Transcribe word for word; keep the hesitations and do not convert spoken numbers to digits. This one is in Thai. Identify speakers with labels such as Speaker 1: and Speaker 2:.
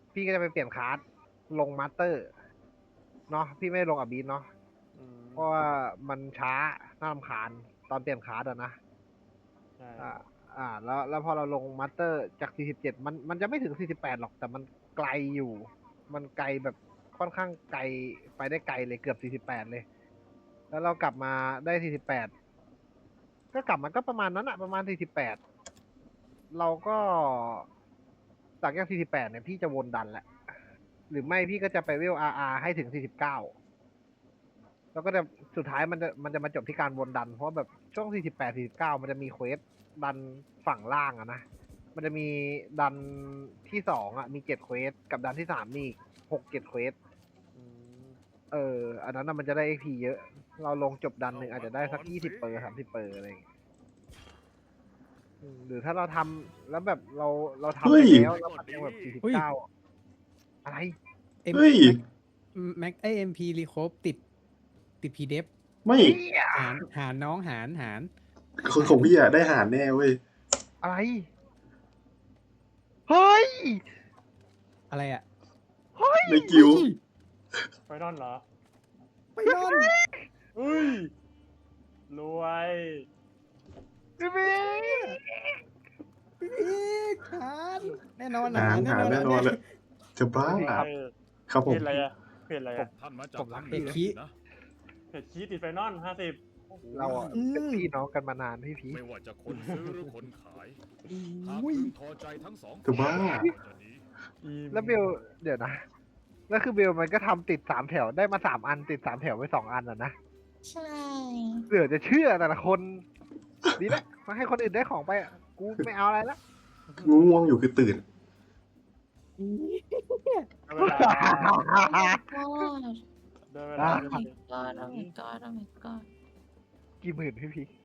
Speaker 1: พี่ก็จะไปเปลี่ยนคาร์ดลงมาสเตอร์เนาะพี่ไม่ได้ลงอับบีทเนาะ
Speaker 2: อืม
Speaker 1: เพราะว่ามันช้าน่ารำคาญตอนเปลี่ยนคาร์ดอะนะ
Speaker 2: ใช่
Speaker 1: อ่าอ่าแล้วแล้วพอเราลงมาสเตอร์จากสี่สิบเจ็ดมันมันจะไม่ถึงสี่สิบแปดหรอกแต่มันไกลอยู่ มันไกลแบบค่อนข้างไกลไปได้ไกลเลยเกือบสี่สิบแปดเลย แล้วเรากลับมาได้สี่สิบแปดก็กลับมาก็ประมาณนั้นอะประมาณสี่สิบแปดเราก็จากจากสี่สิบแปดเนี่ยพี่จะวนดันแหละ หรือไม่พี่ก็จะไปเวลอาร์อาร์ให้ถึงสี่สิบเก้าแล้วก็จะสุดท้ายมันจะมันจะมาจบที่การวนดัน เพราะแบบช่วงสี่สิบแปด สี่สิบเก้ามันจะมีเควสดันฝั่งล่างอะนะ มันจะมีดันที่สองอะมีเจ็ดเควสกับดันที่สามมีหกเจ็ดเควส
Speaker 2: อืม
Speaker 1: เออ อันนั้นน่ะมันจะได้ เอ็ก พี เยอะ เราลงจบดันหนึ่งอาจจะได้สักยี่สิบเปอร์สามสิบเปอร์อะไรอย่างเงี้ยอืมหรือถ้าเราทำแล้วแบบเราเราทำ
Speaker 3: เฮ้
Speaker 1: ไป
Speaker 3: ย
Speaker 1: แล้วแล้วมันยังแบบสี่สิบเก้าอะไร
Speaker 4: เอ็ม
Speaker 3: เฮ้ย
Speaker 4: แม็กไอเอ็มพีรีโคฟติด ติดพีเดฟ
Speaker 3: ไม่
Speaker 1: เหี้ย
Speaker 4: หารหารน้องหารหาร
Speaker 3: คนของพี่อะได้หารแน่เว้ย
Speaker 1: อะไร เฮ้ย
Speaker 4: อะไรอ่ะ
Speaker 1: เฮ้ย
Speaker 3: ในกิว
Speaker 2: ไฟนอลเหรอ
Speaker 4: ไปนอน
Speaker 2: อุ้ย รวย
Speaker 1: พี่บิ๊ก
Speaker 4: อีกหารแน่นอน
Speaker 3: หารหารแน่นอนเลยจะบ้า
Speaker 2: เออ
Speaker 3: ครับผ
Speaker 2: เพ
Speaker 3: ม
Speaker 2: จอะไรอะเพจอะไรอะ
Speaker 5: ท่านมาจาก
Speaker 1: ผมรัก
Speaker 5: ทาง
Speaker 4: เอก
Speaker 5: หนื
Speaker 4: คี
Speaker 5: นะ
Speaker 2: เพจคีติดไฟนอลห้าสิบ
Speaker 1: เราอะเป็นพี่น้องกันมานานพี่พีช
Speaker 5: ไม่ว่าจะคนซื้อหรือคนขาย หากพึงพอใจทั้งสอง
Speaker 3: จะบ้า
Speaker 5: ก็จะดี
Speaker 1: แล้วเบลเดี๋ยวนะแล้วคือเบลมันก็ทำติดสามแถวได้มาสามอันติดสามแถวไว้สองอันอ่ะนะ
Speaker 6: ใช่
Speaker 1: เหลือจะเชื่อแต่ละคนดีแล้วมาให้คนอื่นได้ของไปอะกูไม่เอาอะไรละ
Speaker 3: ง่วงอยู่คือตื่น
Speaker 2: ได้เวลา
Speaker 6: ก็
Speaker 2: ได้เวลา
Speaker 6: โอ้ my god โอ้ my god โอ้ my god
Speaker 1: กี่หมื่นพี่พีช